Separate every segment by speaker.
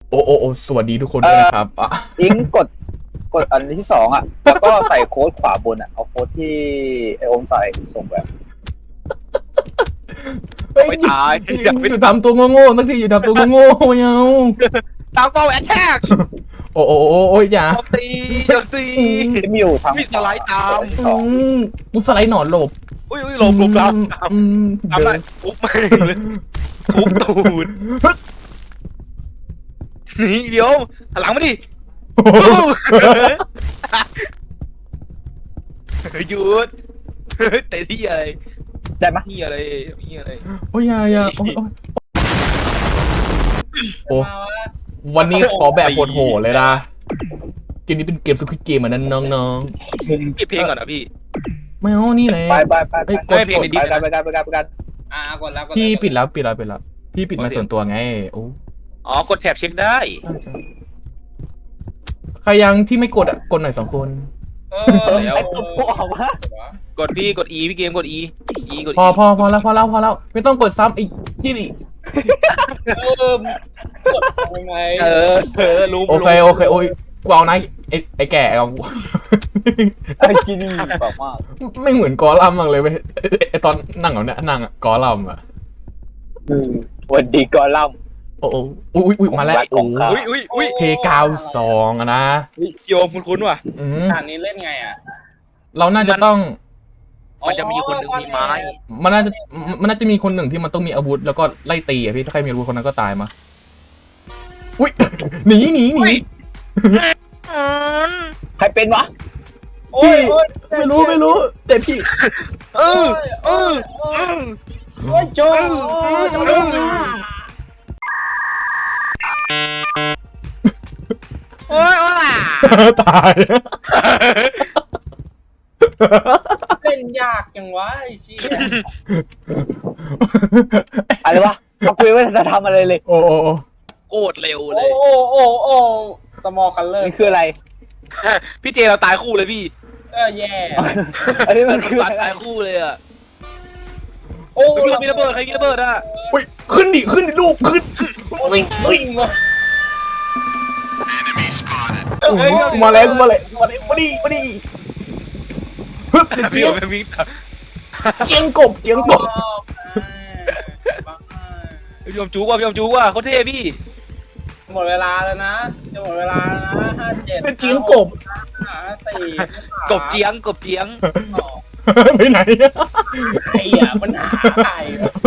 Speaker 1: โอ้สวัสดีทุกคนด้วยนะครับ
Speaker 2: อิงกดอันที่สองอ่ะแล้วก็ใส่โค้ดขวาบนอ่ะเอาโค้ดที่ไอโอมใส่ส่งแบบ
Speaker 1: เฮ้ย
Speaker 3: ไม่ตาย
Speaker 1: อยู่ทำตัวโง่ๆสักทีอยู่ทำตัวโง่ๆไม่เอา
Speaker 3: ตามเป้าแอทแทก
Speaker 1: โอ้อย่า
Speaker 3: โจมตี
Speaker 2: ที่มีอยู่ทาง
Speaker 3: มีสไลด์ตาม
Speaker 1: อืมกูสไลด์หนอนหลบ
Speaker 3: อุ้ยหลบตาม
Speaker 1: อืม
Speaker 3: ตามได้ทุบแม่งเลยทุบตูดหนีเดี๋ยวหันหลังมาดิหยุดเตะที่อะไร
Speaker 2: ได้ไหม
Speaker 3: นี่อะไรนี่อะไร
Speaker 1: โอ้ยอย่าโอ้วันนี้ขอแบบโหดๆเลยนะเกมนี้เป็นเกมสควิดเกมอ่ะนั้นน้อง
Speaker 3: ปิดเพลงก่อนนะพี่
Speaker 1: ๆไม่เอานี่แหละ
Speaker 2: ไป
Speaker 3: ไม่เพลงในดิส
Speaker 2: ไปกัน
Speaker 4: กดแล้ว
Speaker 1: พี่ปิดแล้วพี่ปิดมาส่วนตัวไงโอ้
Speaker 3: อ๋อกดแท็บเช็คได้
Speaker 1: ใช่ใครยังที่ไม่กดอ่ะกดหน่อย2 คน
Speaker 3: แล้ว
Speaker 2: ไอ้ตัวพวกออกมาก
Speaker 3: ดพี่กด E พี่เกมกด E กด
Speaker 1: พอแล้วไม่ต้องกดซ้ำอีกที่นี่
Speaker 4: กดยังไง
Speaker 3: รู้
Speaker 1: โอเคโอ้ยกูเอานะไอ้แก่เอา
Speaker 2: ไอ้กินนี่แบบมาก
Speaker 1: ไม่เหมือนกอลัมน์มากเลยเว้ยไอ้ตอนนั่งเอาเนี่ยนั่งอะกอลัมน์อะ
Speaker 2: วันดีกอลัม
Speaker 1: โอ้อุ้ยมาแล้วโอ้
Speaker 3: อุ้ย
Speaker 1: เพ92อะนะ
Speaker 3: โยมคุ้นๆว่ะ
Speaker 1: อืม
Speaker 4: ด่านนี้เล่นไงอ่ะ
Speaker 1: เราน่าจะต้อง
Speaker 3: มันจะมีคนหนึ่งมีไม้
Speaker 1: มันน่าจะมีคนหนึ่งที่มันต้องมีอาวุธแล้วก็ไล่ตีอะพี่ถ้าใครมีอาวุธคนนั้นก็ตายมาอุ้ยหนี
Speaker 2: ใครเป็นวะ
Speaker 1: พี่ไม่รู้แต่พี่
Speaker 3: โอ้ยโจ โอ้ยล่ะ
Speaker 1: ตาย
Speaker 4: เล่นยากจังวะไอ้เชี่ย
Speaker 2: อะไรวะมาคุยว่าจะทำอะไรเลย
Speaker 1: โอ้
Speaker 3: โคตรเร็ว
Speaker 4: โอ้
Speaker 3: เลย
Speaker 4: โอ้สมอลคัลเลอร์
Speaker 2: มันคืออะไร
Speaker 3: พี่เจเราตายคู่เลยพี่
Speaker 4: แย่
Speaker 2: อันนี้มันคืออะไร
Speaker 3: ตายคู่เลยอ่ะ
Speaker 4: โอ้
Speaker 3: พี่มีระเบิดใครมีระเบิดอ่ะ
Speaker 1: ยขึ้นดิลูกขึ้น
Speaker 4: วิ่ง
Speaker 1: มาแล้วมาดิฮึบ
Speaker 3: พี่เอาไปวิ่ง
Speaker 1: เจียงกบ
Speaker 3: พี่ยอมจูว่ะเขาเท่พี่
Speaker 4: หมดเวลาแล้วนะจะหมดเวลาแล้วนะ57
Speaker 1: เป็นเจียงกบ
Speaker 4: 4
Speaker 3: กบเจียง
Speaker 1: ไปไหน
Speaker 4: ใครอ่ะมันหาใคร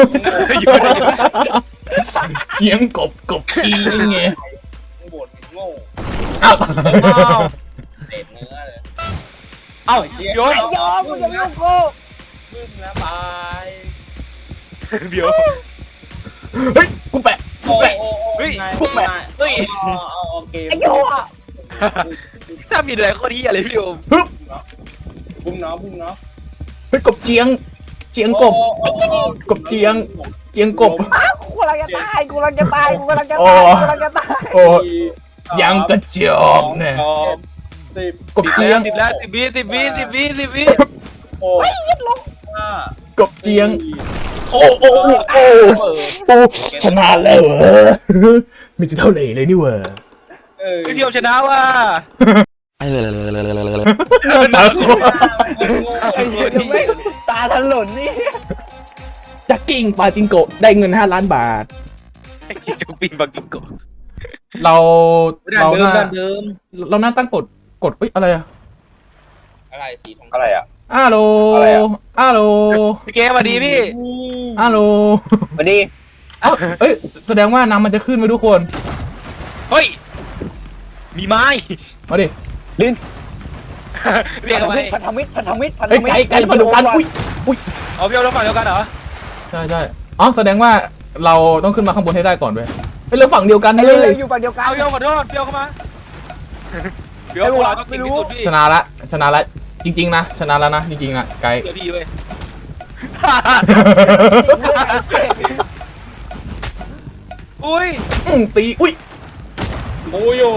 Speaker 1: เจียงกบจีนไง
Speaker 4: บดโง่
Speaker 1: อ้าว
Speaker 4: เศษเนื้อเลย
Speaker 3: เอ้าโยม
Speaker 2: ยอมกูจะลูกกู
Speaker 4: ขึ้นนะบาย
Speaker 3: เดี๋ยว
Speaker 1: เฮ้ยกูแปะ
Speaker 4: โอ้โอเค
Speaker 2: ไอ้โยอ่ะ
Speaker 3: ถ้ามีอะไรข้อที่อะไรพี่โยม
Speaker 1: ฮึบ
Speaker 4: บุ้มเนาะ
Speaker 1: เฮ้ยกบเจียงกบเจียงกบ
Speaker 2: กูกำลังจะตายโอ้
Speaker 1: ยังกระจอกเนี่ย
Speaker 4: 10
Speaker 1: กบเจียง
Speaker 3: 10แล้ว10 วิ
Speaker 4: โอ้ย5
Speaker 1: กบเจียงโอ้ชนะแล้วเหรอมีแต่เท่าไหร่เลยนี่เว้ย
Speaker 3: พี่โยมชนะว่ะ
Speaker 2: ตาถลนนี่
Speaker 1: จักกิ้งปาจิงโกะได้เงิน5 ล้านบาท
Speaker 3: คิดจะปีนบังกิโกะ
Speaker 1: เรา
Speaker 3: ด้านเดิม
Speaker 1: เราน่าตั้งกดอะไรอะ
Speaker 4: อะไรสีทอง
Speaker 2: อะไรอ่ะ
Speaker 1: อาโล
Speaker 2: อะไรอะ
Speaker 1: อาโล
Speaker 3: พี่เกมมาดีพี่
Speaker 1: อาโล
Speaker 2: วันนี้
Speaker 1: เอ้ยแสดงว่าน้ำมันจะขึ้นไหมทุกคน
Speaker 3: เฮ้ยมีไม้
Speaker 1: มาดิ
Speaker 2: ลิ้น
Speaker 3: เรียกทำไม
Speaker 2: พันธมิตร
Speaker 1: เฮ้ยไก่มาดูกันอุ้ย
Speaker 3: เอาพี่โยมเราฝั่งเดียวกันเหรอ
Speaker 1: ใช่อ๋อแสดงว่าเราต้องขึ้นมาข้างบนให้ได้ก่อนเว้ยเป็นเรื่องฝั่งเดียวกัน
Speaker 2: เร็
Speaker 1: เล
Speaker 2: วย อยู่ฝั่งเดียวกัน
Speaker 3: เอาพี่โยมขอโทษพี่โยมเข้ามาพี่โยมเราต้องกินที่สุดพี่
Speaker 1: ชนะละจริงๆนะชนะแล้วนะจริงๆนะไก่
Speaker 3: เดี๋ยวพี่เว้ยอุ้ย
Speaker 1: ตีอุ้ย
Speaker 4: โอ้ย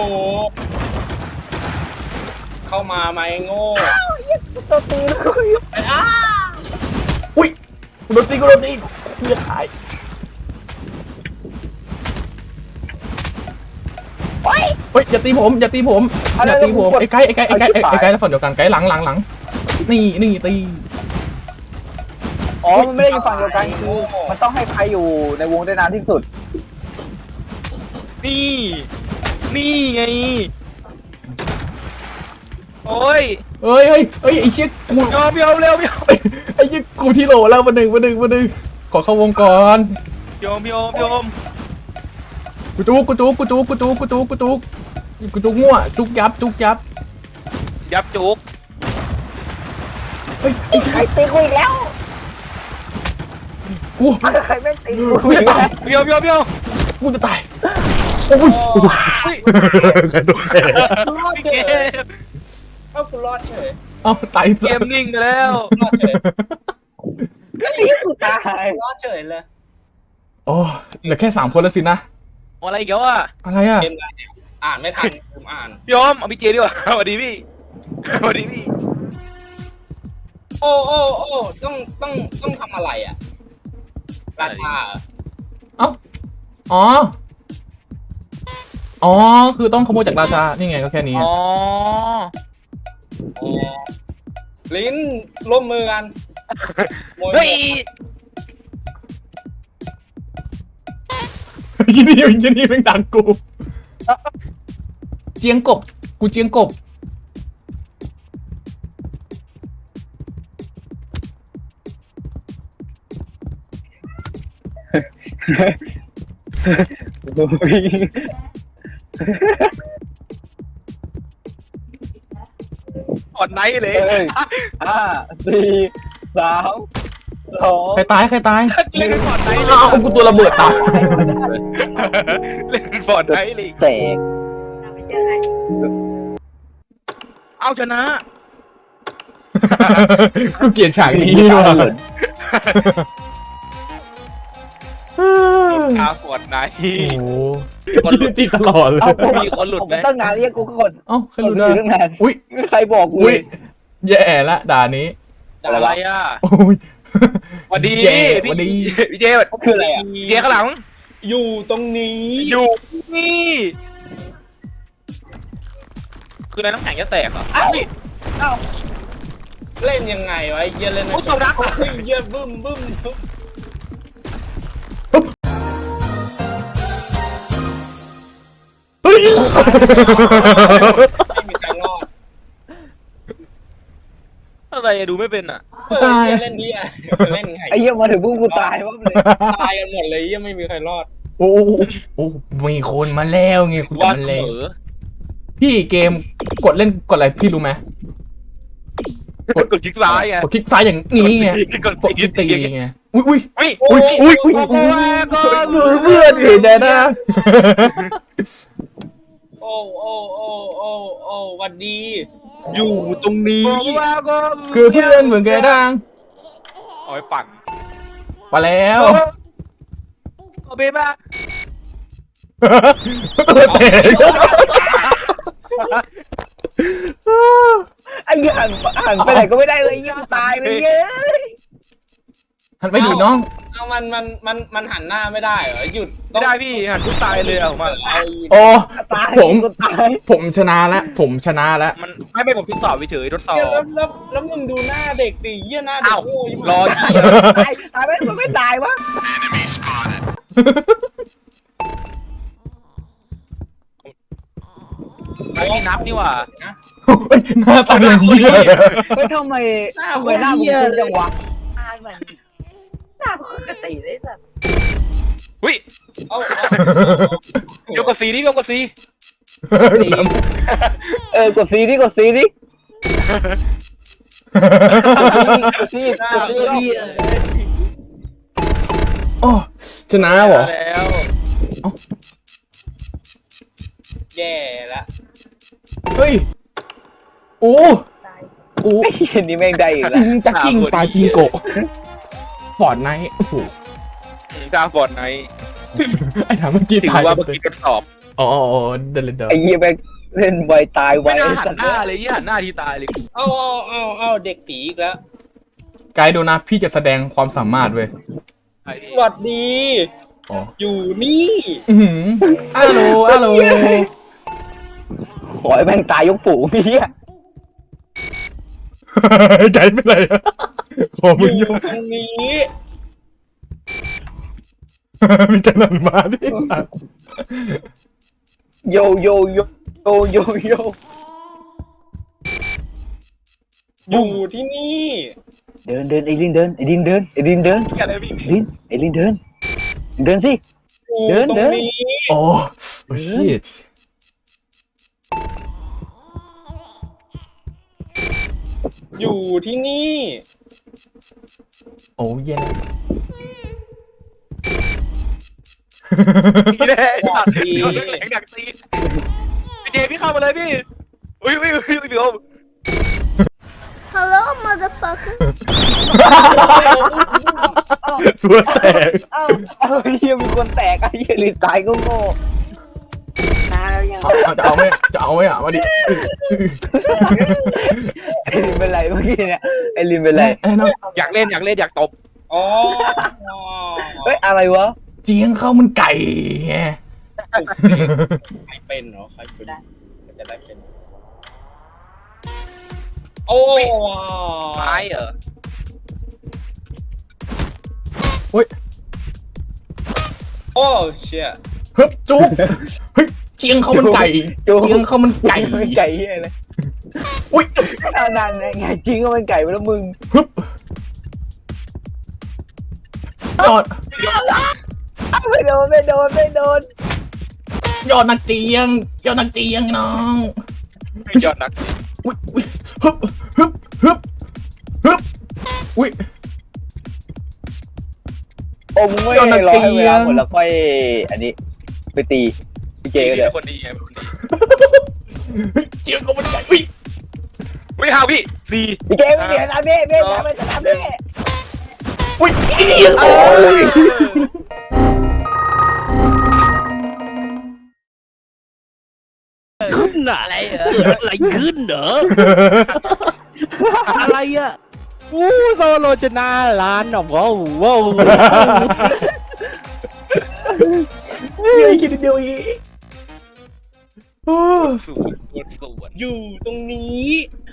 Speaker 4: เข้ามาไหมโง่
Speaker 2: ตัวตีนกู
Speaker 1: อุ้ยกูโดนตีกูจะตายเฮ้ยอย่าตีผมอย่าตีผมอย่าตีผมไอ้ไก่แล้วฝั่งเดียวกันไก่หลังนี่ตี
Speaker 2: อ๋อมันไม่ได้อยู่ฝั่งเดียวกันคือมันต้องให้ใครอยู่ในวงได้นานที่สุด
Speaker 3: นี่ไงโอ้ย
Speaker 1: เฮ้ยไอ้เชี่ยกู
Speaker 3: ยอมเร็ว
Speaker 1: ไอ้เชี่ยกูที่โหลแล้วมาหนึ่งขอเข้าวงก่อน
Speaker 3: ยอม
Speaker 1: กูจุกมั่วจุกยับ
Speaker 3: ยับจุก
Speaker 1: เฮ้ย
Speaker 2: ไอ้ใครตีกูอีกแล้ว
Speaker 1: กู
Speaker 2: ใครไม่ตี
Speaker 1: กูจะตาย
Speaker 3: เบี้ยว
Speaker 1: กูจะตายโอ้ยกระโดดแตก
Speaker 4: รอด
Speaker 3: พี่
Speaker 4: เฉ
Speaker 3: เก
Speaker 4: ย
Speaker 3: ม
Speaker 4: เอ้ากูรอดเฉย
Speaker 1: เอาตาย
Speaker 3: เกมนิ่งไปแล้ว
Speaker 4: รอดเฉย
Speaker 2: ตีกูตาย
Speaker 4: รอดเฉยเลย
Speaker 1: โอ้เหลือแค่3 คนแล้วสินะ
Speaker 3: อะไรอีกแล้วอ่ะ
Speaker 1: อะไรอ่ะ
Speaker 4: เกมอะไรเนี่ยอ่านไม่ทันผมอ่าน
Speaker 3: ยอมเอาพี่เจดีกว่าสวัสดีพี่
Speaker 4: โอ้ต้องทำอะไรอ่ะราชาเหรอ
Speaker 1: เอ้าอ๋อคือต้องขโมยจากราชานี่ไงก็แค่นี้
Speaker 3: อ๋อ
Speaker 4: อ๋อลิ้นร่วมมือกันโมย
Speaker 3: เฮ้ย
Speaker 1: ยี่นี่เป็นดังกูเจียงกบกูเจียงกบ
Speaker 3: กดไนท์เลย
Speaker 2: เฮ้ย5 4 3 2
Speaker 1: ใครตาย
Speaker 3: เล่นฟอร์ดไนท์เลย
Speaker 1: อ้าวกูตัวระเบิดตาย
Speaker 3: เล่นฟอร์ดไนท์เลย
Speaker 2: เตะ
Speaker 3: เอาชนะ
Speaker 1: กูเกลียดฉากนี้ว่ะ
Speaker 3: คาฟอร์ดไนท์
Speaker 1: โอ้โหติดตลอดเลย
Speaker 3: มีคนหลุดไหม
Speaker 2: ตั้งนานเรียกกูก็กด
Speaker 1: เอ้าใครหลุด
Speaker 2: อ
Speaker 1: อ่ะ
Speaker 2: ยู่ตั้งนาน
Speaker 1: อุ้ย
Speaker 2: ใครบอกกู
Speaker 1: อุ้ยแย่ละด่านี้
Speaker 3: อะไรอ่ะ
Speaker 1: โอ้ย
Speaker 3: สวัสดี
Speaker 1: เจ
Speaker 3: พี่
Speaker 1: สวัสดี
Speaker 3: พี่เจ
Speaker 2: คืออะไรอ่ะ
Speaker 3: พี่เจข้างหลัง
Speaker 4: อยู่ตรงนี้
Speaker 3: อยู่นี่คืออะไรน้ำแข็งจะแตกเหรอ
Speaker 2: เอ้า
Speaker 4: เล่นยังไงวะไอ้เหี้ยเล่น
Speaker 3: โอ้ยตบรัก
Speaker 4: ไอ้เหี้ยบึ้มบึ้ม
Speaker 1: เฮ้ย
Speaker 4: ไม่มีใครรอด
Speaker 3: อะไรอะดูไม่เป็นอ่ะ
Speaker 1: ตาย
Speaker 4: เหี้เล่นเหี้ยเล่นไง
Speaker 2: ไอ้เหี้ยมาถึงพวกกูตายว่าเลย
Speaker 4: ตายกันหมดเลยเหี้ยไม่มีใครรอด
Speaker 1: โอ้มีคนมาแล้วไงคุณ
Speaker 3: ว่า
Speaker 1: มา
Speaker 3: เส
Speaker 1: แล้ว
Speaker 3: มอ
Speaker 1: พี่เกมกดเล่นกดอะไรพี่รู้ไหม
Speaker 3: กดคลิกซ้ายไง
Speaker 1: กดคลิกซ้ายอย่างนี้ไง
Speaker 3: กด
Speaker 1: กดคลิกตีไงอุ้ย
Speaker 3: อุ้ย
Speaker 1: เพื่อนเห็นได้นะ
Speaker 4: โอ้หวัดดี
Speaker 3: อยู่ตรงนี้
Speaker 1: คือเพื่อนเหมือนแกดัง
Speaker 3: เอาไปปั่น
Speaker 1: มาแล้ว
Speaker 3: เอาไปมา
Speaker 1: ตัวเตะ
Speaker 2: ไอ้เหี้ยหันไปไหนก็ไม่ได้เลยไอ้เหี้ยตายไปเย้ย
Speaker 1: หันไปดูน้อง
Speaker 4: เอามันหันหน้าไม่ได้เหรอหยุด
Speaker 3: ไม่ได้พี่หันทุกตายเลยอะผมอะ
Speaker 4: เอา
Speaker 1: โอ้
Speaker 2: ตาย
Speaker 1: ผม
Speaker 2: กูตาย
Speaker 1: ผมชนะแล้วผมชนะแล้ว
Speaker 3: มันไม่ผมทดสอบเฉยทดสอบ
Speaker 4: เหี้ยแล้วมึงดูหน้าเด็กดิเหี้ยหน้าเด็ก
Speaker 3: อ้าว
Speaker 4: โง่ยิ่ง
Speaker 3: รอ
Speaker 2: ตายมันไม่ตายวะ
Speaker 3: ไอ้นี่นับนี่หว่า
Speaker 1: หน้าตาอย่างนี้เลย
Speaker 2: เฮ้ยทำไมหน้ามึงคุ้นจังวะหน้ามันหน้าปกติเลยสัตว์
Speaker 3: อุ้ย
Speaker 4: เอา
Speaker 3: ยกกับซีนี่ยกกับซี
Speaker 2: กดซีดิกดซีดิกดซี
Speaker 4: หน้าก
Speaker 2: ดซี
Speaker 1: โอ้ชนะเหรอ
Speaker 3: แล้ว
Speaker 4: แย่ละ
Speaker 1: เฮ้ยโอ้
Speaker 2: ไอ้เหี้ยนี่แม่งได้อีก
Speaker 1: จ
Speaker 2: แล้ว
Speaker 1: ริงจักกิ้งปาจิงโกะฟอร์ดไนท์โอ้โห
Speaker 3: กล้าฟอร์ดไนท์
Speaker 1: ไอ้ถามเมื่อกี้
Speaker 3: ถือ
Speaker 1: ตาย
Speaker 3: ว่าเมื่อกี้ทดสอบ
Speaker 1: อ๋อเดินเลยเดิน
Speaker 2: ไอ้เหี้ยแม่งเล่นไวตายไว
Speaker 3: ไม่น่าหันหน้าเลยยี่หันหน้าทีตายเลย
Speaker 4: เอาเด็กผีอีกแล้ว
Speaker 1: ไกด์ดูนะพี่จะแสดงความสามารถเว้ย
Speaker 3: ไอ้พี่
Speaker 4: หวัดดี
Speaker 1: อ๋อ
Speaker 4: อยู่นี่
Speaker 1: อือหือฮัลโหล
Speaker 2: ขอให้แม่งตายยกฝูงพี่
Speaker 1: ใจเป็นไรขอ
Speaker 4: อ
Speaker 1: มึง
Speaker 4: ยู่
Speaker 1: โย
Speaker 4: ตรงนี้
Speaker 1: มีแต่หนังมาดิ
Speaker 2: โยโยโยโยโยโย
Speaker 4: อยู่ที่นี่
Speaker 2: เดินไอ้ลินเดินไอ้ลินเดินไอ้ลินเดิน
Speaker 3: อะไรพี่
Speaker 2: ลินไอ้ลินเดินเดินสิ
Speaker 4: อยู่
Speaker 2: เดิน
Speaker 4: ตร
Speaker 2: เดิ
Speaker 4: ง
Speaker 2: น
Speaker 4: นี้
Speaker 1: โอ้ชิต
Speaker 4: อยู่ที่นี่
Speaker 1: โอ้เย็น
Speaker 3: พี่แน่ตัดพี่เอาเรื่องแหลงดักตีพี่เจพี่เข้ามาเลยพี่อุ้ยพี่โอม
Speaker 5: Hello, motherfucker.
Speaker 1: ตัวแตก
Speaker 2: เอ้าเฮียมีคนแตกไอ้เฮียลินตายก็โง่
Speaker 1: จะเอาไหมอ่ะมาดิ
Speaker 2: ไอ้ลินเป็นไรเมื่อกี้เนี่ยไอ้ลินเป็นไร
Speaker 1: ไอ้น้อง
Speaker 3: อยากเล่นอยากตบ
Speaker 4: อ๋อ
Speaker 2: เฮ้ยอะไรวะ
Speaker 1: เจียงข้าวมันไก่ไง
Speaker 4: ใครเป็นเหรอใครเป็นจะได้เป็นโอ้
Speaker 3: ไม้เหรอ
Speaker 4: โอ้เชี่ย
Speaker 1: เฮ้ยจุ๊บเฮ้ยเจียงข้าวมันไก่เจียงข้าวมันไก่
Speaker 2: มันไก่เฮียเลย
Speaker 1: อุ้ย
Speaker 2: เอานั่นไงจริงก็มันไก่ไปแล้วมึง
Speaker 1: ฮึบยอด
Speaker 2: ไม่โดน
Speaker 1: ยอดนักเจียงน้อง
Speaker 3: ไม่ยอดนัก
Speaker 1: อุ้ยฮึบอุ้ย
Speaker 2: โอ้มึงไม่รอให้เวลาหมดแล้วค่อยอันนี้ไปตีพี่เจก็เดี๋ยว
Speaker 3: คนดีไงคนดี
Speaker 1: เจียงข้าวมันไก่อุ้ย
Speaker 3: ไม่ห้าพี่สี่
Speaker 2: พี่เจไม่เสียนะเบ้ทำไมจะทำเบ้
Speaker 1: อุ้ย
Speaker 3: โอ้ย
Speaker 6: ขึ้นอะอะไรเหรอเกิดอะไรขึ้นเหรอ อะไรอ่ะอู้โซโลจะหน้าร้านอ่ะว้าวว้าว
Speaker 1: เฮ้ยคิดเดียวอีก
Speaker 3: สวน
Speaker 4: อยู่ตรงนี้